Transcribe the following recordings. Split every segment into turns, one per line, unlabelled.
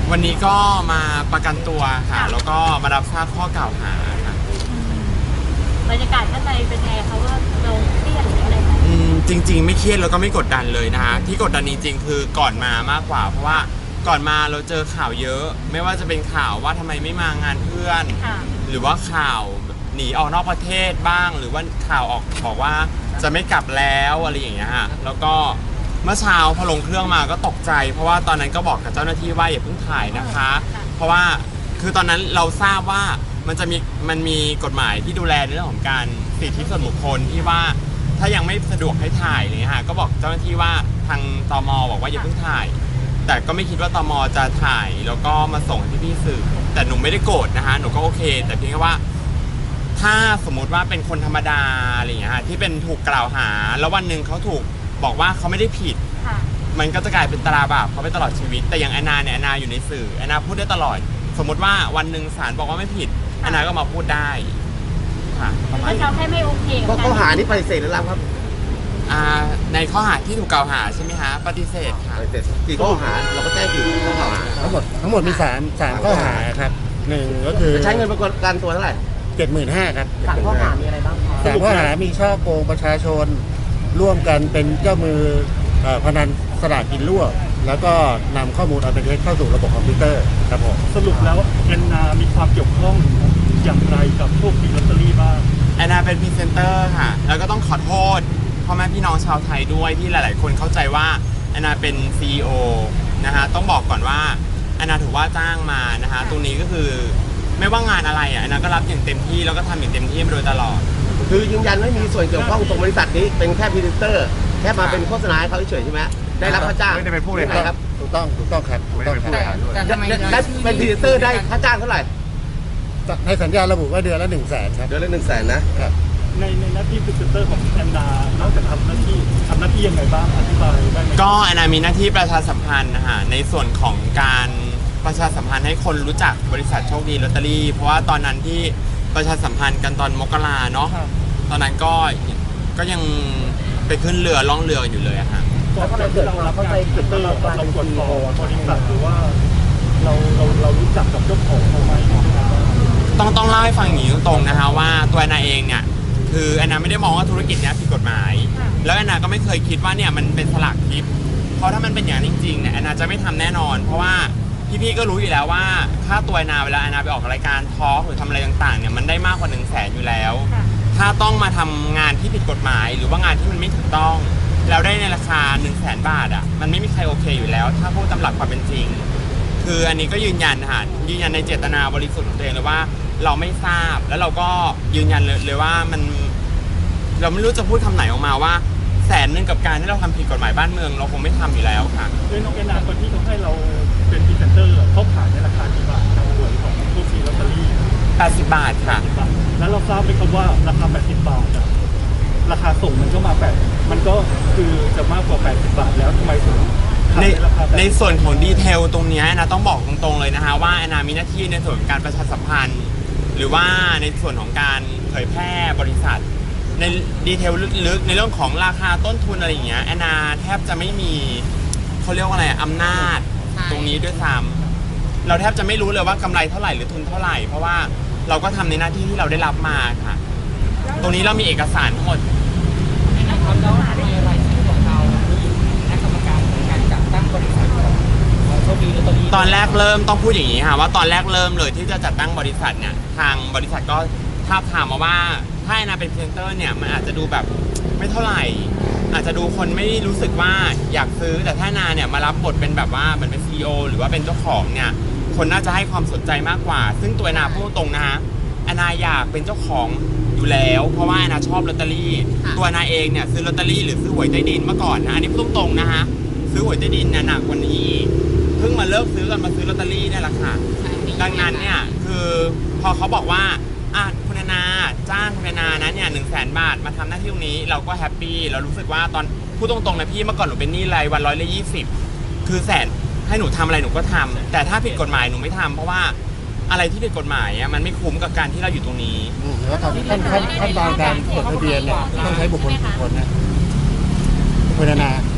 วันนี้ก็มาประกันตัวค่ะแล้วก็มารับทราบข้อกล่าวหาค่ะ
บรรยากาศข้างในเป็นไงเขาว่าเราเครียดหรืออะไรไหม
จริงๆไม่เครียดแล้วก็ไม่กดดันเลยนะคะที่กดดันจริงๆคือก่อนมามากกว่าเพราะว่าก่อนมาเราเจอข่าวเยอะไม่ว่าจะเป็นข่าวว่าทำไมไม่มางานเพื่อนหรือว่าข่าวหนีออกนอกประเทศบ้างหรือว่าข่าวออกบอกว่าจะไม่กลับแล้วอะไรอย่างเงี้ยฮะแล้วก็เมื่อเช้าพอลงเครื่องมาก็ตกใจเพราะว่าตอนนั้นก็บอกกับเจ้าหน้าที่ว่าอย่าเพิ่งถ่ายนะคะเพราะว่าคือตอนนั้นเราทราบว่ามันมีกฎหมายที่ดูแลในเรื่องของการสิทธิส่วนบุคคลที่ว่าถ้ายังไม่สะดวกให้ถ่ายเลยฮะก็บอกเจ้าหน้าที่ว่าทางตม.บอกว่าอย่าเพิ่งถ่ายแต่ก็ไม่คิดว่าตม.จะถ่ายแล้วก็มาส่งที่พี่สื่อแต่หนูไม่ได้โกรธนะคะหนูก็โอเคแต่เพียงแค่ว่าถ้าสมมุติว่าเป็นคนธรรมดาอะไรอย่างเงี้ยฮะที่เป็นถูกกล่าวหาแล้ววันหนึ่งเขาถูกบอกว่าเขาไม่ได้ผิดมันก็จะกลายเป็นตราบาปเขาไปตลอดชีวิตแต่อย่างแอนนาเนี่ยแอนนาอยู่ในสื่อแอนนาพูดได้ตลอดสมมติว่าวันหนึ่งศาลบอกว่าไม่ผิดแอนนาก็มาพูดได้ค่ะ
ถ้าเขาแค่ไม่โอเค
ก็ข้อหานี้ปฏิเสธหรือรับครับ
ในข้อหาที่ถูกกล่าวหาใช่ไหมฮะปฏิเสธค่ะ
ปฏิเสธกี่ข้อหาเราก็แจ้งกี่ข้อกล่าวหา
ทั้งหมดมี3ข้อหาครับ1ก็คือ
ใช้เงินประกันตัวเท่าไหร่
75,000ครับ
3 ข้อหามีอะไรบ้างคะ
3 ข้อหามีช่อโกงประชาชนร่วมกันเป็นเจ้ามือพนันสลากกินรั่วแล้วก็นำข้อมูลอันเป็นเท็จเข้าสู่ระบบคอมพิวเตอร์ครับผม
สรุปแล้วแอนนามีความเกี่ยวข้องอย่างไรกับโชคดีลอตเตอรี่บ้าง
แอนนาเป็นพรีเซนเตอร์ค่ะแล้วก็ต้องขอโทษพ่อแม่พี่น้องชาวไทยด้วยที่หลายๆคนเข้าใจว่าแอนนาเป็น CEO นะฮะต้องบอกก่อนว่าแอนนาถือว่าจ้างมานะฮะตรงนี้ก็คือไม่ว่างานอะไรแอนนาก็รับอย่างเต็มที่แล้วก็ทำอย่างเต็มที่มาโดยตลอด
คือยืนยันไม่มีส่วนเกี่ยวข้องตรงบริษัทนี้เป็นแค่พรีเซนเตอร์แค่มาเป็นโฆษณาให้เขาเฉยใช่ไหมได้รับค่าจ้าง
ไม่ได้เป็นผู้บริหาร
ครับ
ถูกต้องครับ
ไม่ได้เป็นผู้บริหารด้วย
ได้เป็นพรีเซนเตอร์ได้ค่าจ้างเท่าไหร่
ในสัญญาระบุว่าเดือนละ100,000ครับ
เดือนละ100,000นะครับ
ในหน้าที่พรีเซนเตอร์ของแอนนานอกจากทำหน้าที่ยังไงบ้างอธิบายได้ไหม
ก็แอนนามีหน้าที่ประชาสัมพันธ์นะฮะในส่วนของการประชาสัมพันธ์ให้คนรู้จักบริษัทโชคดีลอตเตอรี่เพราะว่าตอนนั้นที่ประชาสัมพันธ์กันตอนมกราเนาะตอนนั้นก็ยังไปขึ้นเรือล่องเรืออยู่เลยอะฮะ
ก่อนที่เรารับงานพรีเซนเตอร์เรากดต่อบริษัทหรือว่าเรารู้จักกับเจ้าของเขาไหม
ต้องเล่าให้ฟังอย่างนี้ตรงๆนะคะว่าตัวแอนนาเองเนี่ยคือแอนนาไม่ได้มองว่าธุรกิจนี้ผิดกฎหมายแล้วแอนนาก็ไม่เคยคิดว่าเนี่ยมันเป็นสลากทิพย์เพราะถ้ามันเป็นอย่างจริงๆเนี่ยแอนนาจะไม่ทำแน่นอนเพราะว่าพี่ๆก็รู้อยู่แล้วว่าค่าตัวแอนนาเวลาแอนนาไปออกรายการทอล์กหรือทำอะไรต่างๆเนี่ยมันได้มากกว่า100,000อยู่แล้วถ้าต้องมาทำงานที่ผิดกฎหมายหรือว่างานที่มันไม่ถูกต้องแล้วได้ในราคา100,000 บาทอ่ะมันไม่มีใครโอเคอยู่แล้วถ้าพูดตามหลักความเป็นจริงคืออันนี้ก็ยืนยันในเจตนาบริสุทธิ์ของตัวเองเลยว่าเราไม่ทราบแล้วเราก็ยืนยันเลยว่าเราไม่รู้จะพูดคำไหนออกมาว่า100,000กับการที่เราทำผิดกฎหมายบ้านเมืองเราคงไม่ทำอยู่แล้วค่ะ
ด้วยน้องแอนนาคนที่เขาให้เราเป็นพรีเซนเตอร์เขาขายในราคากี่บาททางหวยของโชคดีลอตเตอรี่
80 บาทค่ะ
แล้วเราทราบไหมครับว่าราคา80 บาทราคาส่งมันก็มามันก็คือจะมากกว่า80 บาทแล้วทำไมถึง
ในส่วนของดีเทลตรงนี้นะต้องบอกตรงๆเลยนะคะว่าแอนนามีหน้าที่ในส่วนของการประชาสัมพันธ์หรือว่าในส่วนของการเผยแพร่บริษัทในดีเทลลึกๆในเรื่องของราคาต้นทุนอะไรอย่างเงี้ยแอนนาแทบจะไม่มีเขาเรียกว่าอะไรอำนาจตรงนี้ด้วยซ้ำเราแทบจะไม่รู้เลยว่ากำไรเท่าไหร่หรือทุนเท่าไหร่เพราะว่าเราก็ทำในหน้าที่ที่เราได้รับมาค่ะตรงนี้เรามีเอกสารทั้งหมดตอนแรกเริ่มต้องพูดอย่างนี้ค่ะว่าตอนแรกเริ่มเลยที่จะจัดตั้งบริษัทเนี่ยทางบริษัทก็ทาบทามมาว่าถ้าแอนนาเป็นพรีเซนเตอร์เนี่ยมันอาจจะดูแบบไม่เท่าไหร่อาจจะดูคนไม่รู้สึกว่าอยากซื้อแต่ถ้าแอนนาเนี่ยมารับบทเป็นแบบว่าเหมือนเป็น CEO หรือว่าเป็นเจ้าของเนี่ยคนน่าจะให้ความสนใจมากกว่าซึ่งตัวแอนนาพูดตรงนะฮะแอนนาอยากเป็นเจ้าของอยู่แล้วเพราะว่าแอนนาชอบลอตเตอรี่ตัวแอนนาเองเนี่ยซื้อลอตเตอรี่หรือซื้อหวยใต้ดินเมื่อก่อนนะอันนี้พูดตรงๆนะฮะซื้อหวยใต้ดินหนักกว่านี้เพิ่งมาเลิกซื้อกันมาซื้อลอตเตอรี่นี่แหละค่ะดังนั้นเนี่ยคือพอเขาบอกว่าคุณแอนนาจ้างคุณแอนนานะเนี่ย100,000 บาทมาทำหน้าที่ตรงนี้เราก็แฮปปี้เรารู้สึกว่าตอนพูดตรงๆนะพี่เมื่อก่อนหนูเป็นหนี้รายวัน120คือ100,000ให้หนูทำอะไรหนูก็ทำแต่ถ้าผิดกฎหมายหนูไม่ทำเพราะว่าอะไรที่ผิดกฎหมายมันไม่คุ้มกับการที่เราอยู่ตรงนี้
แล้วตอนขั้นตอนการจดทะเบียนเนี่ยต้องใช้บุคคลนะคุณแอนนา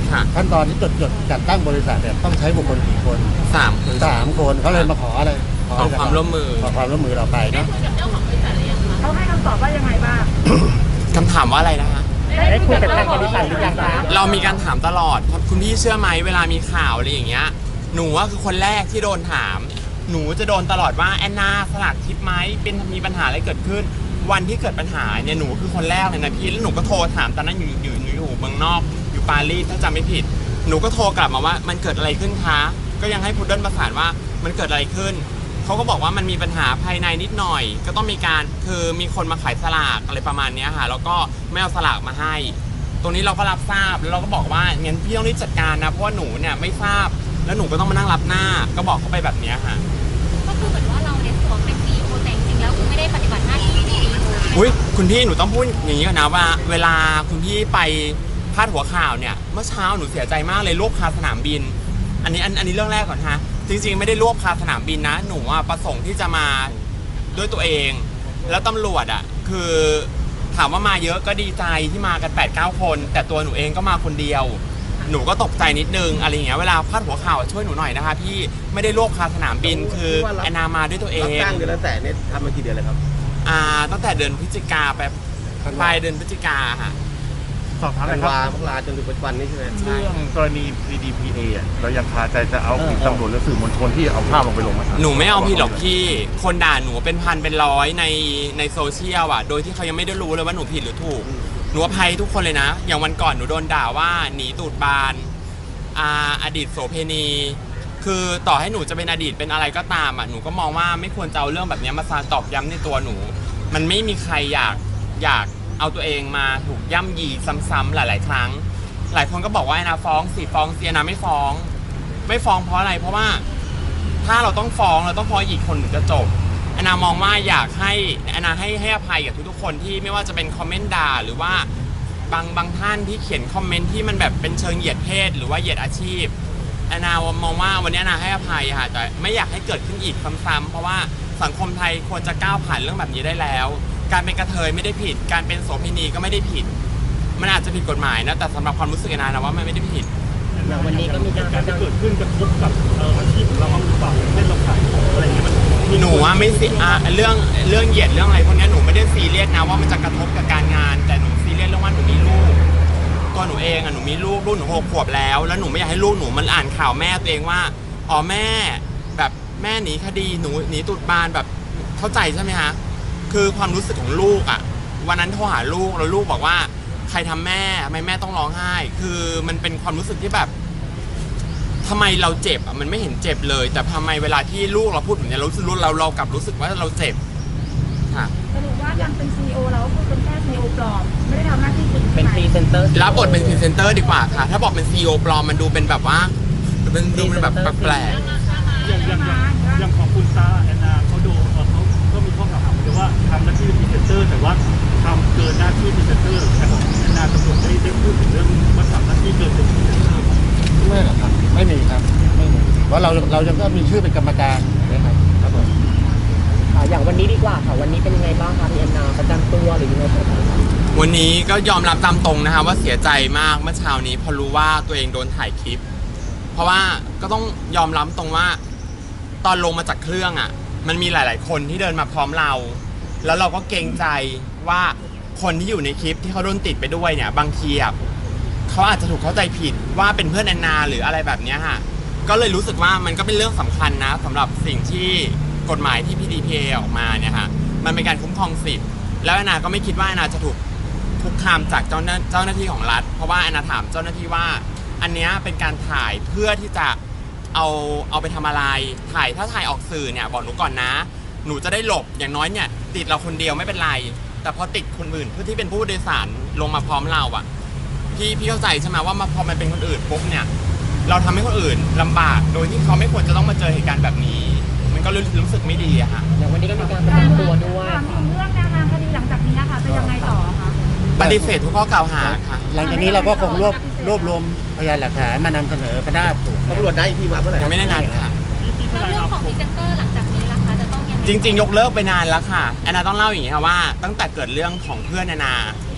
ค่ะ
ขั้นตอนที่จดจัดตั้งบริษัทเนี่ยต้องใช้บุคคลกี่คน
3 คน
3 คนเขาเลยมาขออะไร
ขอความร่วมมือ
ขอความร่วมมือเราไปเนาะ
เขาให้คำตอบว่ายังไงบ้าง
คำถามว่าอะไรนะคะ
ได้คุยกับทางบริษัทหรือยังคะ
เรามีการถามตลอดครับคุณพี่เชื่อไหมเวลามีข่าวอะไรอย่างเงี้ยหนูว่าคือคนแรกที่โดนถาม หนูจะโดนตลอดว่าแอนนาสลากทิปไหมเป็นมีปัญหาอะไรเกิดขึ้น วันที่เกิดปัญหาเนี่ยหนูคือคนแรกเลยนะพี่แล้วหนูก็โทรถามตอนนั้นอยู่เมืองนอกอยู่ปารีสถ้าจำไม่ผิด หนูก็โทรกลับมาว่ามันเกิดอะไรขึ้นคะก็ยังให้พุดเดิ้ลประสานว่ามันเกิดอะไรขึ้นเขาก็บอกว่ามันมีปัญหาภายในนิดหน่อย ก็ต้องมีการคือมีคนมาขายสลากอะไรประมาณเนี้ยค่ะแล้วก็ไม่เอาสลากมาให้ ตรงนี้เราก็รับทราบแล้วเราก็บอกว่างั้นพี่ต้องรีบจัดการนะเพราะว่าหนูเนี่ยไม่ทราบแล้วหนูก็ต้องมานั่งรับหน้าก็บอกเขาไปแบบเนี้ยค่ะ
ก็คือเหมือนว่าเราเนี่ยสวมเป็น CEO แต่จริงๆแล้วคือไม่ได้ปฏิบัติหน้าที่เป็น CEO
อุ้ยคุณพี่หนูต้องพูดอย่างนี้ก่อนนะว่า เวลาคุณพี่ไปพาดหัวข่าวเนี่ยเมื่อเช้าหนูเสียใจมากเลยรวบคาสนามบิน อันนี้เรื่องแรกก่อนฮะจริงๆไม่ได้รวบคาสนามบินนะหนูประสงค์ที่จะมาด้วยตัวเอง แล้วตำรวจคือถามว่ามาเยอะก็ดีใจที่มากัน 8-9 คน แต่ตัวหนูเองก็มาคนเดียว หนูก็ตกใจนิดนึงอะไรอย่างเงี้ยเวลาพาดหัวข่าวช่วยหนูหน่อยนะคะพี่ไม่ได้รวบคาสนามบินคือแอนนามาด้วยตัวเอ
รับ
ง
จ้างเดือนละแสนเนี่ยทำมากี่เดือนเลยครับ
ตั้งแต่เดือนพฤศจิกาไปปลายเดือนพฤศจิกาค่ะ
สอบถามหน่
ธั
อน ยครับ
วามกราจนถึงปัจจุบันนี้ใช่ไหม
ใช่
เรื่องกรณี PDPA อ่ะเรายังคาใจจะเอาผิดตำรวจหรือสื่อมวลชนที่เอาภาพลงไปลงไหม
หนูไม่เอาผิดหรอกพี่คนด่าหนูเป็นพันเป็นร้อยในโซเชียลโดยที่เขายังไม่ได้รู้เลยว่าหนูผิดหรือถูกหนูอภัยทุกคนเลยนะ อย่างวันก่อนหนูโดนด่าว่าหนีตูดบานอดีตโสเพณี คือต่อให้หนูจะเป็นอดีตเป็นอะไรก็ตามหนูก็มองว่าไม่ควรจะเอาเรื่องแบบนี้มาตอกย้ำในตัวหนู มันไม่มีใครอยากเอาตัวเองมาถูกย่ำยีซ้ำๆหลายๆครั้ง หลายคนก็บอกว่าแอนนาฟ้องสิฟ้องเสียนะไม่ฟ้องเพราะอะไรเพราะว่าถ้าเราต้องฟ้องอีกคนถึงจะจบแอนนามองว่าอยากให้แอนนาให้อภัยกับทุกๆคนที่ไม่ว่าจะเป็นคอมเมนต์ด่าหรือว่าบางท่านที่เขียนคอมเมนต์ที่มันแบบเป็นเชิงเหยียดเพศหรือว่าเหยียดอาชีพแอนนามองว่าวันนี้แอนนาให้อภัยค่ะแต่ไม่อยากให้เกิดขึ้นอีกซ้ำๆเพราะว่าสังคมไทยควรจะก้าวผ่านเรื่องแบบนี้ได้แล้ว การเป็นกระเทยไม่ได้ผิดการเป็นโสเภณีก็ไม่ได้ผิดมันอาจจะผิดกฎหมายนะแต่สำหรับความรู้สึกแอนนานะว่ามันไม่ได้ผิด
วันนี้ก็มีการที่เกิดขึ้นกระทบกับอาชีพของเราบ้างหรือเปล่าอย่างเช่นเราขายของอะไรอย่างเงี้ยมัน
หนูว่าไม่สิเรื่องเหยียดเรื่องอะไรพวกนี้หนูไม่ได้ซีเรียสนะว่ามันจะกระทบกับการงานแต่หนูซีเรียสเรื่องว่าหนูมีลูกตัวหนูเองหนูมีลูกหนู6 ขวบแล้วหนูไม่อยากให้ลูกหนูมันอ่านข่าวแม่ตัวเองว่าอ๋อแม่แบบแม่หนีคดีหนูหนีตูดบานแบบเข้าใจใช่ไหมคะคือความรู้สึกของลูกวันนั้นโทรหาลูกแล้วลูกบอกว่าใครทำแม่ทำไมแม่ต้องร้องไห้คือมันเป็นความรู้สึกที่แบบทำไมเราเจ็บมันไม่เห็นเจ็บเลยแต่ทำไมเวลาที่ลูกเราพูดแบบนี้เรากลับรู้สึกว่าเราเจ็บค่ะ
สรุปว่ายังเป็น CEO แล้วคือเป็นแค่ CEO ปลอมไม่ได้ทำหน้าที่จริง
เป็นพรีเซนเตอร์
รับบทเป็นพรีเซนเตอร์ดีกว่าค่ะถ้าบอกเป็น CEO ปลอมมันดูเป็นแบบว่าดูเป็นแบบแปลก
อย่างของคุณซาแอนนาเขาโดนเขาก็มีข้อกล่าวหาเลยว่าทำหน้าที่เป็นพรีเซนเตอร์แต่ว่าทำเกินหน้าที่พรีเซนเตอร์แต่ของแอนนาตำรวจได้พูดถึงเรื่องว่าทำหน้าที่เกินเป็นพรีเซนเตอร์
ไม่หรอกครับไม่มีครับไม่มีเพราะเรายังก็มีชื่อเป็นกรรมการนะครับครับผม
อย่างวันนี้ดีกว่าค่ะวันนี้เป็นยังไงบ้างคะพี่แอนนาประจำตัวหรือยังไงบ้างคะ
วันนี้ก็ยอมรับตามตรงนะคะว่าเสียใจมากเมื่อเช้านี้พอรู้ว่าตัวเองโดนถ่ายคลิป เพราะว่าก็ต้องยอมรับตรงว่าตอนลงมาจากเครื่องมันมีหลายๆคนที่เดินมาพร้อมเราแล้วเราก็เกรงใจว่าคนที่อยู่ในคลิปที่เขาโดนติดไปด้วยเนี่ยบางทีเขาอาจจะถูกเข้าใจผิดว่าเป็นเพื่อนแอนนาหรืออะไรแบบนี้ค่ะก็เลยรู้สึกว่ามันก็เป็นเรื่องสำคัญนะสำหรับสิ่งที่กฎหมายที่ PDPA ออกมาเนี่ยค่ะมันเป็นการคุ้มครองสิทธิ์แล้วแอนนาก็ไม่คิดว่าแอนนาจะถูกคุกคามจากเจ้าหน้าที่ของรัฐเพราะว่าแอนนาถามเจ้าหน้าที่ว่าอันนี้เป็นการถ่ายเพื่อที่จะเอาไปทำอะไรถ้าถ่ายออกสื่อเนี่ยบอกหนูก่อนนะหนูจะได้หลบอย่างน้อยเนี่ยติดเราคนเดียวไม่เป็นไรแต่พอติดคนอื่นเพื่อที่เป็นผู้โดยสารลงมาพร้อมเราพี่เข้าใจใช่ไหมว่าพอมันเป็นคนอื่นปุ๊บเนี่ยเราทำให้คนอื่นลำบากโดยที่เขาไม่ควรจะต้องมาเจอเหตุการณ์แบบนี้มันก็รู้สึกไม่ดีอะค่ะ
อย่างวันนี้ก็มีการประจำตัวด้วย
ถามถึงเรื่องแนวทางคดีหลังจากนี้ค่ะจะยังไงต่อคะ
ปฏิเสธทุกข้อกล่าวหาค่ะ
หลังจากนี้เราก็คงรวบรวมพยานหลักฐานมานำเสนอคณะสูง
ตำรวจได้ที่มาเมื่อไหร่
ยังไม่ได้นัดค่ะ
แล้วเรื่องของพรีเซนเตอร์หลังจากนี้ล่ะคะจะต้องยังไง
จริงๆยกเลิกไปนานแล้วค่ะแอนนาต้องเล่าอย่างนี้ค่ะว่าตั้งแต่เกิดเรื่องของเพื่อนแอนนา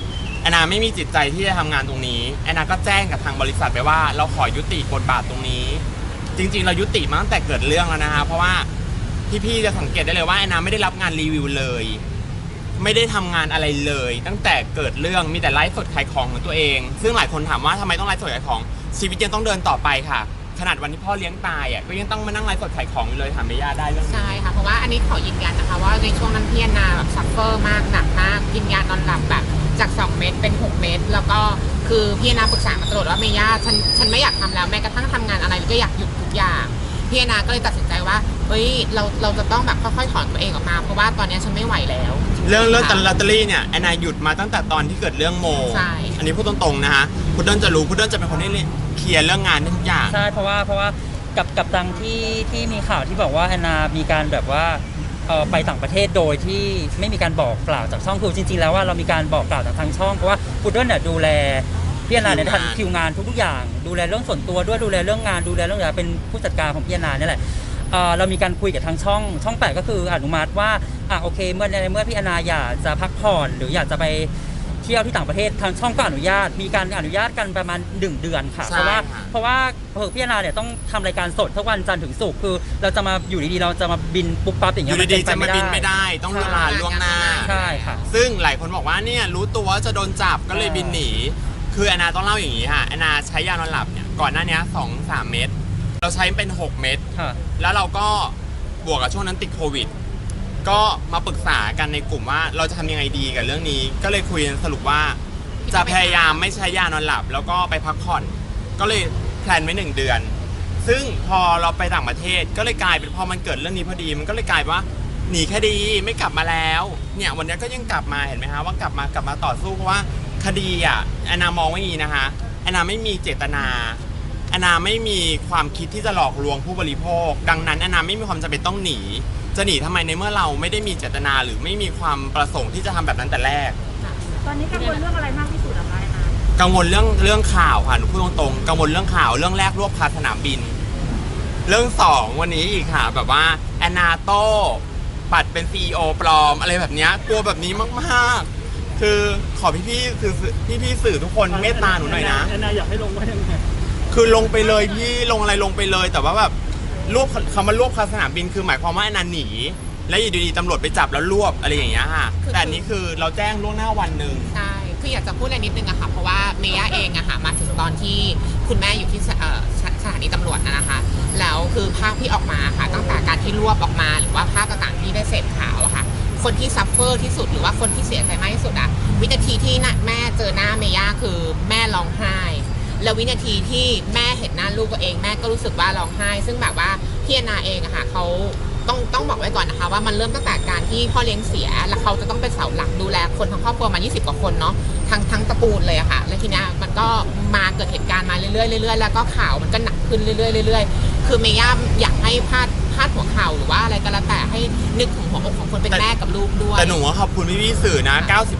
อนนาไม่มีจิตใจที่จะทำงานตรงนี้แอนนาก็แจ้งกับทางบริษัทไปว่าเราขอยุติบทบาทตรงนี้จริงๆเรายุติมาตั้งแต่เกิดเรื่องแล้วนะฮะเพราะว่าพี่ๆจะสังเกตได้เลยว่าแอนนาไม่ได้รับงานรีวิวเลยไม่ได้ทำงานอะไรเลยตั้งแต่เกิดเรื่องมีแต่ไลฟ์สดขายของของตัวเองซึ่งหลายคนถามว่าทำไมต้องไลฟ์สดขายของชีวิตยังต้องเดินต่อไปค่ะขนาดวันที่พ่อเลี้ยงตายอ่ะก็ยังต้องมานั่งไลฟ์สดขายของอยู่เลยถามเมย่าได้เรื่องนี้
ใช่ค่ะเพราะว่าอันนี้ขอยืนยันนะคะว่าในช่วงนั้นพี่แอนนาแบบซัฟเฟอร์มากหนักมากกินยานอนหลับแบบจาก2 เม็ดเป็น6 เม็ดแล้วก็คือพี่แอนนาปรึกษามาตลอดว่าเมย่าฉันไม่อยากทำแล้วแม้กระทั่งทำงานอะไรก็อยากหยุดทุกอย่างพี่แอนนาก็เลยตัดสินใจว่าเฮ้ยเราจะต้องแบบค่อยๆถอนตัวเองออกมาเพราะว่าตอนนี้ฉันไม่ไหวแล้ว
เรื่องลอตเตอรี่เนี่ยแอนนาหยุดมาตั้งแต่ตอนที่เกิดเรื่องโม
ใช่
อันนี้พูดตรงๆนะฮะพุดเดิ้ลจะรู้พุดเดิ้ลจะเป็นคนที่เคลียร์เรื่องงานได้ทุกอย่าง
ใช่เพราะว่ากับตังที่มีข่าวที่บอกว่าแอนนามีการแบบว่าไปต่างประเทศโดยที่ไม่มีการบอกกล่าวจากช่องคือจริงๆแล้วว่าเรามีการบอกกล่าวจากทางช่องเพราะว่าพุดเดิ้ลเนี่ยดูแลพี่แอนนาเนี่ยทันคิวงานทุกอย่างดูแลเรื่องส่วนตัวด้วยดูแลเรื่องงานดูแลเรื่องอะไรเป็นผู้จัดการของพี่แอนนาเนี่ยแหละเรามีการคุยกับทางช่อง8ก็คืออนุมัติว่าโอเคเมื่อพี่แอนนาอยากจะพักผ่อนหรืออยากจะไปเที่ยวที่ต่างประเทศทางช่องก็อนุญาตมีการอนุญาตกันประมาณ1 เดือนค่ะเพราะว่าพี่แอนนาเนี่ยต้องทำรายการสดทุกวันจันทร์ถึงศุกร์คือเราจะมาอยู่ดีๆเราจะมาบินปุ๊บปั๊บอย่างเงี้
อย ยู่ดีๆจะมาบินไม่ได้ต้องเวลาล่วงหน้า
ใช่ค่ะ
ซึ่งหลายคนบอกว่าเนี่ยรู้ตัวว่าจะโดนจับก็เลยบินหนีคือแอนนาต้องเล่าอย่างนี้ค่ะแอนนาใช้ยานอนหลับเนี่ยก่อนหน้านี้ 2-3 เม็ดเราใช้เป็น6 เม็ดแล้วเราก็บวกกับช่วงนั้นติดโควิดก็มาปรึกษากันในกลุ่มว่าเราจะทำยังไงดีกับเรื่องนี้ก็เลยคุยสรุปว่าจะพยายามไม่ใช้ยานอนหลับแล้วก็ไปพักผ่อนก็เลยแพลนไว้1 เดือนซึ่งพอเราไปต่างประเทศก็เลยกลายเป็นพอมันเกิดเรื่องนี้พอดีมันก็เลยกลายว่าหนีคดีไม่กลับมาแล้วเนี่ยวันนี้ก็ยังกลับมาเห็นไหมฮะว่ากลับมาต่อสู้เพราะว่าคดีแอนนามองว่าอย่างนี้นะคะแอนนาไม่มีเจตนาแอนนาไม่มีความคิดที่จะหลอกลวงผู้บริโภคดังนั้นแอนนาไม่มีความจำเป็นต้องหนีจะหนีทำไมในเมื่อเราไม่ได้มีเจตนาหรือไม่มีความประสงค์ที่จะทำแบบนั้นแต่แรก
ตอนนี้กังวลเรื่องอะไรมากที่สุดอะคะแอนนา
กังวลเรื่องข่าวค่ะหนูพูดตรงๆกังวลเรื่องข่าวเรื่องแรกรวบคาสนามบินเรื่อง2วันนี้อีกค่ะแบบว่าแอนนาโต้ปัดเป็น CEO ปลอมอะไรแบบนี้กลัวแบบนี้มากๆคือขอพี่สื่อทุกคนเมตตาหนูหน่อยนะ
แอนนาอยากให้ลงว่ายังไง
คือลงไปเลยพี่ลงอะไรลงไปเลยแต่ว่าแบบคำว่ารวบคาสนามบินคือหมายความว่าแอนนาหนีและอยู่ดีๆตำรวจไปจับแล้วรวบอะไรอย่างเงี้ยค่ะแต่อันนี้คือเราแจ้งล่วงหน้าวันหนึ่ง
ใช่คืออยากจะพูดอะไรนิดนึงอะค่ะเพราะว่าเมย่าเองอะค่ะมาถึงตอนที่คุณแม่อยู่ที่สถานีตำรวจนะคะแล้วคือภาพที่ออกมาค่ะตั้งแต่การที่รวบออกมาหรือว่าภาพต่างๆที่ได้เสพข่าวอะค่ะคนที่ซัฟเฟอร์ที่สุดหรือว่าคนที่เสียใจมากที่สุดอะวินาทีที่แม่เจอหน้าเมย่าคือแม่ร้องไห้แล้ววินาทีที่แม่เห็นหน้าลูกตัวเองแม่ก็รู้สึกว่าร้องไห้ซึ่งแบบว่าพี่แอนนาเองอะค่ะเขาต้องบอกไว้ก่อนนะคะว่ามันเริ่มตั้งแต่การที่พ่อเลี้ยงเสียแล้วเขาจะต้องเป็นเสาหลักดูแลคนทั้งครอบครัวมา20 กว่าคนเนาะทั้งตระกูลเลยอะค่ะแล้วทีนี้มันก็มาเกิดเหตุการณ์มาเรื่อยๆแล้วก็ข่าวมันก็หนักขึ้นเรื่อยๆคือเมย่าอยากให้พาดหัวข่าวหรือว่าอะไรก็แล้วแต่ให้นึกถึงหัวอกของคนเป็นแม่กับลูกด้วย
แต่หนูขอบคุณพี่สื่อนะ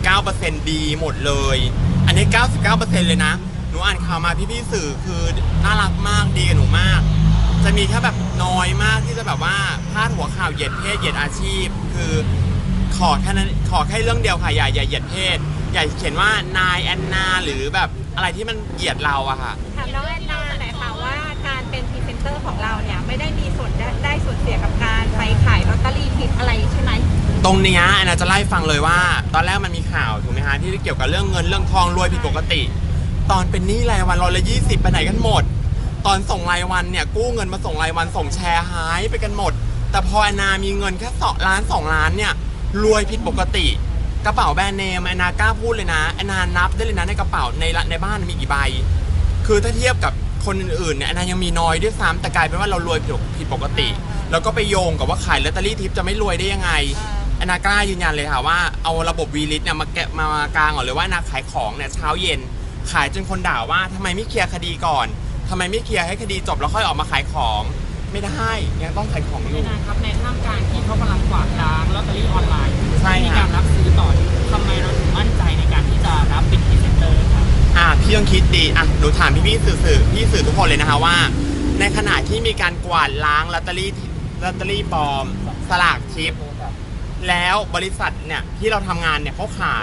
99% ดีหมดเลยอันนี้ 99% เลยนะหนูอ่านข่าวมาพี่สื่อคือน่ารักมากดีกับหนูมากจะมีแค่แบบน้อยมากที่จะแบบว่าพาดหัวข่าวเหยียดเพศเหยียดอาชีพคือขอแค่นั้นขอแค่เรื่องเดียวค่ะอย่าเหยียดเพศอย่าเขียนว่านายแอนนาหรือแบบอะไรที่มันเหยียดเราอะค่ะ
ถามน้องแอนนาหน่อยค่ะว่าการเป็นพรีเซนเตอร์ของเราเนี่ยไม่ได้มีส่วนได้ส่วนเสียกับการไปขายลอตเตอรี่ผิดอะไรใช่ไหม
ตรงนี้แอนนาจะไล่ฟังเลยว่าตอนแรกมันมีข่าวถูกไหมฮะที่เกี่ยวกับเรื่องเงินเรื่องทองรวยผิดปกติตอนเป็นหนี้รายวัน120ไปไหนกันหมดตอนส่งรายวันเนี่ยกู้เงินมาส่งรายวันส่งแชร์หายไปกันหมดแต่พอแอนนามีเงินแค่2 ล้านเนี่ยรวยผิดปกติกระเป๋าแบรนด์เนมแอนนากล้าพูดเลยนะแอนนานับได้เลยนะในกระเป๋าในบ้านมีกี่ใบคือถ้าเทียบกับคนอื่นๆเนี่ยแอนนายังมีน้อยด้วยซ้ำแต่กลายเป็นว่าเรารวยผิดปกติแล้วก็ไปโยงกับว่าขายลอตเตอรี่ทิปจะไม่รวยได้ยังไงแอนนากล้ายืนยันเลยค่ะว่าเอาระบบวีลิสเนี่ยมากางก่อนเลยว่าแอนนาขายของเนี่ยเช้าเย็นขายจนคนด่าว่าทำไมไม่เคลียร์คดีก่อนทำไมไม่เคลียร์ให้คดีจบแล้วค่อยออกมาขายของไม่ได้ยังต้องขายของอยู่
นะครับในท่ามกลางที่เขากำลังกวาดล้างลอตเตอรี่ออนไลน์มีการรับซื้อต่อทำไมเราถึงมั่นใจในการที่จะรับเป็นพรีเซนเตอร์ครับ
พี่ต้องคิดดีหนูถามพี่สื่อทุกคนเลยนะคะว่าในขณะที่มีการกวาดล้างลอตเตอรี่ปลอมสลากทิปแล้วบริษัทเนี่ยที่เราทำงานเนี่ยเขาขาย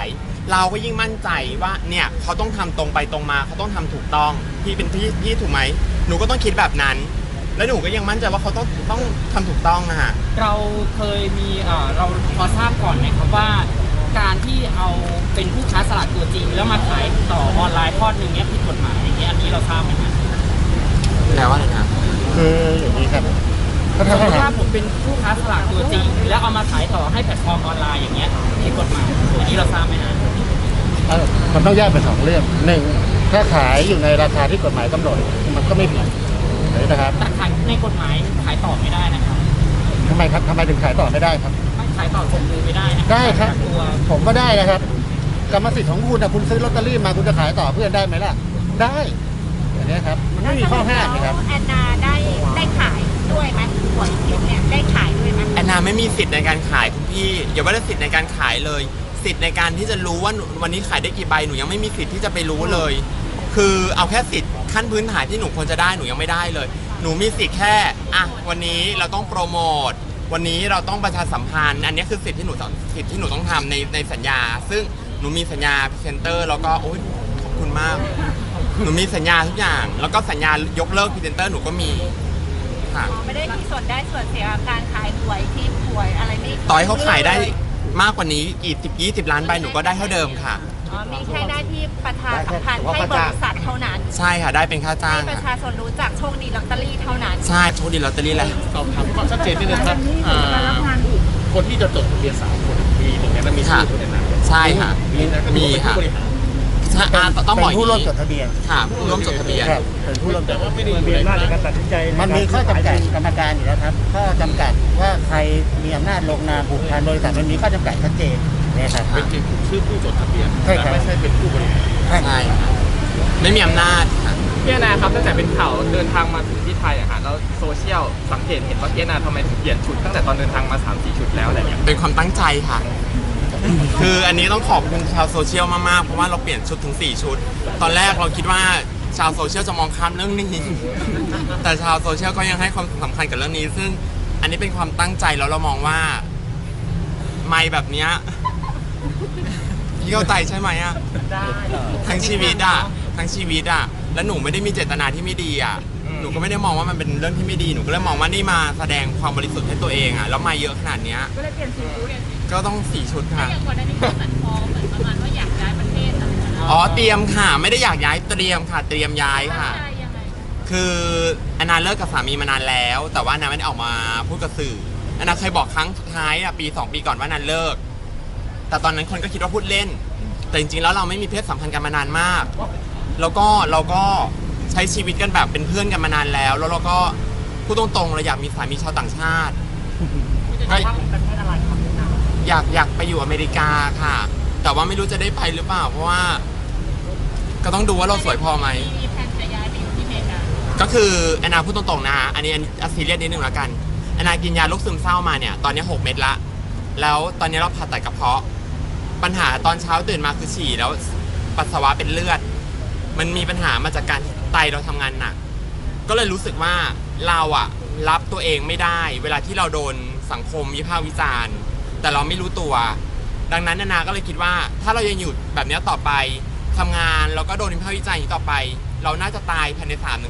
เราก็ยิ่งมั่นใจว่าเนี่ยเขาต้องทำตรงไปตรงมาเขาต้องทำถูกต้องพี่เป็นพี่ถูกไหมหนูก็ต้องคิดแบบนั้น แล้วหนูก็ยังมั่นใจว่าเขาต้องทำถูกต้องนะฮะ
เราเคยมีเราพอทราบก่อนไหมครับว่าการที่เอาเป็นผู้ค้าสลากตัวจริง แล้วมาขายต่อออนไลน์ทอดหนึ่งเนี้ยผิดกฎหมายอย่างเงี้ยอันนี้เราทราบไหมครับ
แล้วอะไรนะ
คืออย่างนี้ครับถ้า
สมมติ
ถา
ว่าม ผมเป็นผู้ค้าสลากตัวจริง แล้วเอามาขายต่อให้แพลตฟอร์มออนไลน์อย่างเงี้ยผิดกฎหมายอันนี้เราทราบไหมฮะ
มันต้องแยกเป็น2เรื่องหนึ่งถ้าขายอยู่ในราคาที่กฎหมายกำหนดมันก็ไม่ผิดนะครับ
แต่ขายในกฎหมายขายต่อไม่ได้นะครับ
ทำไมครับทำไมถึงขายต่อไม่ได้ครับ
ไม่ขายต่อส่งมือไม่ได้นะ
ได้ครับ
ตัว
ผมก็ได้นะครับกรรมสิทธิ์ของคุณนะคุณซื้อลอตเตอรี่มาคุณจะขายต่อเพื่อนได้ไหมล่ะได้อย่างนี้ครับมันไม่มีข้อห้ามนะครับ
แอนนาได้ขายด้วยไหมหวยทิพย์เนี่ยได้ขายด้วยไหม
แอนนาไม่มีสิทธิ์ในการขายคุณพี่อย่าว่าแต่สิทธิ์ในการขายเลย สิทธิ์ในการที่จะรู้ว่าวันนี้ขายได้กี่ใบหนูยังไม่มีสิทธิ์ที่จะไปรู้เลย คือเอาแค่สิทธิ์ขั้นพื้นฐานที่หนูควรจะได้หนูยังไม่ได้เลย หนูมีสิทธิ์แค่วันนี้เราต้องโปรโมทวันนี้เราต้องประชาสัมพันธ์อันนี้คือสิทธิ์ที่หนูต้องทำในสัญญา ซึ่งหนูมีสัญญาพรีเซนเตอร์แล้วก็โอ๊ยขอบคุณมาก หนูมีสัญญาทุกอย่าง แล้วก็สัญญายกเลิกพรีเซนเตอร์หนูก็มีค่ะ
ไม่ได้มีส่วนได้ส่วนเสียกับการขายหวยทิพย์หวยอะไรนี่
ต่อให้เขาขายได้มากกว่านี้กี่20 ล้านใบหนูก็ได้เท่าเดิมค่ะ
มีแค่หน้าที่ประชาสัมพันธ์ให้บริษัทเท่านั้น
ใช่ค่ะได้เป็นค่าจ้าง
ให้ประ
ค่ะ
ชาชนรู้จักโชคดีลอตเตอรี่เท่านั้น
ใช่โชคดีลอตเตอรี่แหละ
สอบถามความชัดเจนนิดนึงครับคนที่จะจดทะเบียน3 คนมีหนึ่งในนั้นมีชื่อคุณแอนนา
ใช่ค่ะ มีค่ะ
ผู้บริหาร
ใช่ต้องบอก
เป็นผู้ร่วมจดทะเบียน
ค่ะผู้ร่วมจดทะเบียน
ครับเป็นผู้ร่วมจดทะเบียน
ไม่ได้อยู่ในการตัดสินใจ
มันมีข้อจำกัดกรรมการอยู่แล้วครับข้อจำกัดว่าใครมีอำนาจลงนามผูกพันบริษัทมันมีข้อจำกัดชัดเจนนะครับ
เป็นชื่อผู้จดทะเบียน
ใช่ครับ
แต่ไม่ใช่เป็นผู้บริหาร
ใช่ค่ะไม่มีอำนาจค่ะ
พี่แอนนาครับตั้งแต่เป็นข่าวเดินทางมาถึงที่ไทยอะฮะแล้วโซเชียลสังเกตเห็นว่าพี่แอนนาทำไมถึงเปลี่ยนชุดตั้งแต่ตอนเดินทางมา 3-4 ชุดแล้วอะไรอย่างเงี้ย
เป็นความตั้งใจค่ะ คืออันนี้ต้องขอบคุณชาวโซเชียลมากๆ เพราะว่าเราเปลี่ยนชุดถึง 4 ชุด ตอนแรกเราคิดว่าชาวโซเชียลจะมองข้ามเรื่องนี้ แต่ชาวโซเชียลก็ยังให้ความสำคัญกับเรื่องนี้ ซึ่งอันนี้เป็นความตั้งใจแล้วเรามองว่าไม่แบบเนี้ยพี่เข้าใจใช่ไหมอะทั้งชีวิตอะแล้วหนูไม่ได้มีเจตนาที่ไม่ดีอะหนูก็ไม่ได้มองว่ามันเป็นเรื่องที่ไม่ดีหนูก็เลยมองว่านี่มาแสดงความบริสุทธิ์ให้ตัวเองอะแล้วมาเยอะขนาดเนี้ยก็เลยเปลี่ยนชุดก็ต้อง4 ชุดค่ะ
อย่างก่อนหน้านี้ก็เหมือนพอเหมือนประมาณว่าอยากย้ายประเทศอะไรอย่างเงี้ย
อ๋อเตรียมค่ะไม่ได้อยากย้ายเตรียมค่ะ เตรียมย้ายค่ะ
ใช่ยังไง
คือแอนนาเลิกกับสามีมานานแล้ว แต่ว่าแอนนาไม่ได้ออกมาพูดกับสื่อแอนนาเคยบอกครั้งสุดท้ายอะปี2 ปีก่อนว่าแอนนาเลิก แต่ตอนนั้นคนก็คิดว่าพูดเล่น แต่จริงๆแล้วเราไม่มีเพศสัมพันธ์กันมานานมาก แล้วก็เราก็ใช้ชีวิตกันแบบเป็นเพื่อนกันมานานแล้ว แล้วเราก็พูดตรงๆเราอยากมีสามีชาวต่างชาติก็อยากไปอยู่อเมริกาค่ะ แต่ว่าไม่รู้จะได้ไปหรือเปล่า เพราะว่า ก็ต้องดูว่าเราสวยพอไหม
มีแผนจะย้ายไปอยู่ที่อเมริกา
ก็คือแอนนาพูดตรงๆนะอันนี้ซีเรียสนิดนึงแล้วกันแอนนากินยาโรคซึมเศร้ามาเนี่ยตอนนี้6 เม็ดละแล้วตอนนี้เราผ่าตัดกระเพาะปัญหาตอนเช้าตื่นมาคือฉี่แล้วปัสสาวะเป็นเลือด มันมีปัญหามาจากการไตเราทำงานหนักก็เลยรู้สึกว่าเราอะรับตัวเองไม่ได้ เวลาที่เราโดนสังคมวิพากษ์วิจารณ์แต่เราไม่รู้ตัว ดังนั้นแอนนาก็เลยคิดว่าถ้าเรายังอยู่แบบนี้ต่อไปทำงานแล้วก็โดนวิพากษ์วิจารณ์อย่างนี้ต่อไป เราน่าจะตายภายใน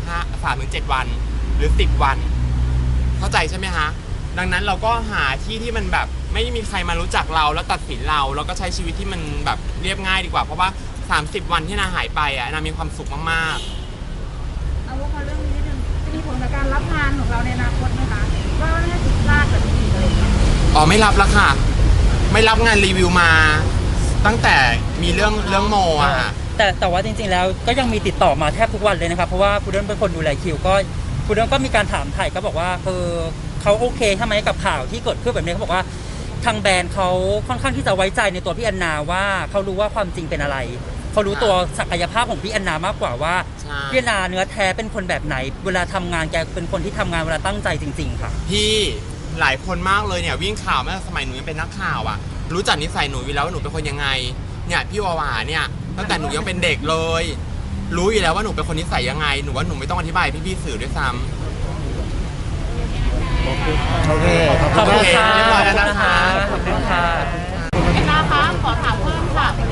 3-7 วันหรือ10 วัน เข้าใจใช่ไหมฮะดังนั้นเราก็หาที่ที่มันแบบไม่มีใครมารู้จักเราแล้วตัดสินเราแล้วก็ใช้ชีวิตที่มันแบบเรียบง่ายดีกว่าเพราะว่า30 วันที่นาหายไปอ่ะนามีความสุขมากๆ
เอาว่าพอเรื่องนี้นิดนึงจะมีผลกับการรับงานของเราในอนาคตไหมคะว่าน่าผิดพลาดแบบนี้อีกอะไรอย่างเงี้ย
อ๋อไม่รับแล้วค่ะ ไม่รับงานรีวิวมาตั้งแต่มีเรื่องโมอะค่ะ
แต่ว่าจริงๆแล้วก็ยังมีติดต่อมาแทบทุกวันเลยนะครับ เพราะว่าพุดเดิ้ลเป็นคนดูแลคิวก็พุดเดิ้ลก็มีการถามไถ่ก็บอกว่าเขาโอเคใช่ไหมกับข่าวที่เกิดขึ้นแบบนี้เขาบอกว่าทางแบรนด์เขาค่อนข้างที่จะไว้ใจในตัวพี่แอนนาว่าเขารู้ว่าความจริงเป็นอะไรเขารู้ตัวศักยภาพของพี่แอนนามากกว่าว่า
ใช่
พี่แอนนาเนื้อแท้เป็นคนแบบไหน เวลาทำงานแกเป็นคนที่ทำงานเวลาตั้งใจจริงๆค่ะ
พี่หลายคนมากเลยเนี่ยวิ่งข่าวเมื่อสมัยหนูยังเป็นนักข่าวอะรู้จักนิสัยหนูอยู่แล้วว่าหนูเป็นคนยังไงเนี่ยพี่วาวาเนี่ยตั้งแต่หนูยังเป็นเด็กเลย รู้อยู่แล้วว่าหนูเป็นคนนิสัยยังไงหนูว่าหนูไม่ต้องอธิบายพี่ๆสื่อด้วยซ้ำ
โอเค
ขอบคุณค่ะ
เรียบร้อยแล้วนะคะ
ขอบคุณค่ะ
แอนนาคะขอถามเพิ่มค่ะวันนั้น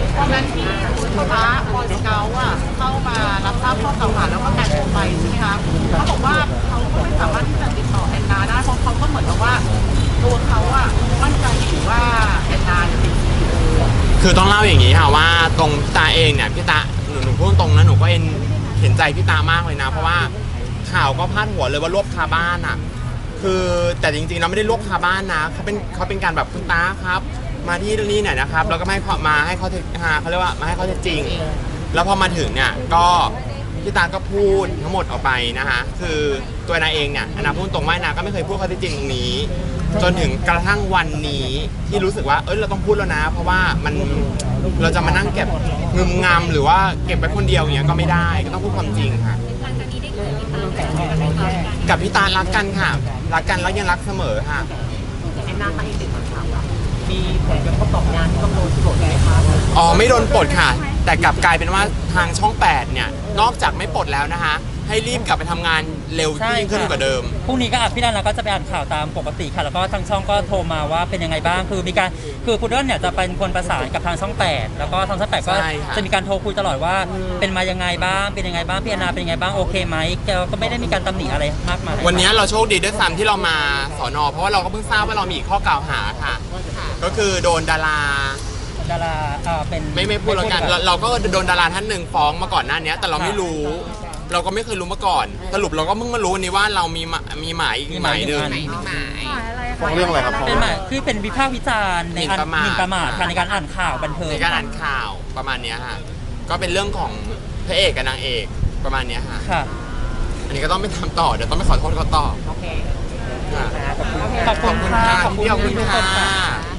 นั้นที่คุณพระบอยสเกลอ่ะเข้ามารับทราบข้อกล่าวหาแล้วก็แต่งตัวไปใช่ไหมคะเขาบอกว่าเขาก็ไม่สามารถที่จะติดต่อแอนนาได้เพราะเขาก็เหมือนกับว่าตัวเขาอ่ะมั่นใจอยู่ว่าแอนนาจะเป็น
คือต้องเล่าอย่างนี้ค่ะว่าตรงพี่ตาเองเนี่ยพี่ตาหนูพูดตรงนะหนูก็เห็นใจพี่ตามากเลยนะเพราะว่าข่าวก็พาดหัวเลยว่ารวบคาบ้านอ่ะคือแต่จริงๆเราไม่ได้รวบคาบ้านนะเขาเป็นการแบบคุณตาครับมาที่นี่หน่อยนะครับแล้วก็ให้เขาเขาเรียกว่ามาให้เขาจริงแล้วพอมาถึงเนี่ยก็พี่ตาก็พูดทั้งหมดออกไปนะคะคือตัวนาเองเนี่ยนาพูดตรงว่านาก็ไม่เคยพูดข้อเท็จจริงตรงนี้จนถึงกระทั่งวันนี้ที่รู้สึกว่าเราต้องพูดแล้วนะเพราะว่าเราจะมานั่งเก็บงึมงำหรือว่าเก็บไว้คนเดียวอย่างเงี้ยก็ไม่ได้ก็ต้องพูดความจริงค่ะ
หลังจากนี้ได้คุยกับพี่ตาไหมคะ
กับพี่ตารักกันค่ะรักกันแล้วยังรักเสมอค่ะ
แอนนาตั้งอีกติดคำถามว่ามีผลกระทบต่องานที่ต้องโดนที่บอกไหมคะ
อ๋อไม่โดนปลดค่ะแต่กลับกลายเป็นว่าทางช่อง 8เนี่ยนอกจากไม่ปลดแล้วนะคะให้รีบกลับไปทำงานเร็วยิ่งขึ้นกว่าเดิม
พรุ่งนี้ก็พี่นันเราก็จะไปอ่านข่าวตามปกติค่ะแล้วก็ทางช่องก็โทรมาว่าเป็นยังไงบ้างคือพุดเดิ้ลเนี่ยจะเป็นคนประสานกับทางช่อง 8แล้วก็ทางช่อง 8ก็
ใช่ค่ะ
จะมีการโทรคุยตลอดว่าเป็นมายังไงบ้างเป็นยังไงบ้างพี่แอนนาเป็นยังไงบ้างโอเคไหมแกก็ไม่ได้มีการตำหนิอะไรมากมาย
วันนี้เราโชคดีด้วยซ้ำที่เรามาสน.เพราะว่าเราก็เพิ่งทราบว่าเรามีอีกข้อกล่าวหาค่ะก็คือโดนดารา
เป็น
ไม่พูดแล้วกันเราก็โดนดาราท่านหนึ่งฟ้องมาก่อนหน้านี้แต่เราไม่รู้เราก็ไม่เคยรู้มาก่อนสรุปเราก็เพิ่งมารู้วันนี้ว่าเรามีหมายอีกหมายหนึ่ง
ฟ้องเรื่องอะไรครับ
เป็นหมายคือเป็นวิพากษ์วิจารณ์ในการหมิ่นประมาทค่ะในการอ่านข่าวบันเทิง
ในการอ่านข่าวประมาณเนี้ยค่ะก็เป็นเรื่องของพระเอกกับนางเอกประมาณเนี้ยค่ะ
ค่ะ
อันนี้ก็ต้องไปทำต่อเดี๋ยวต้องไปขอโทษเขาต่อ
โอเค
ค่ะ
ขอบคุณค่ะ
ขอบคุณค่ะ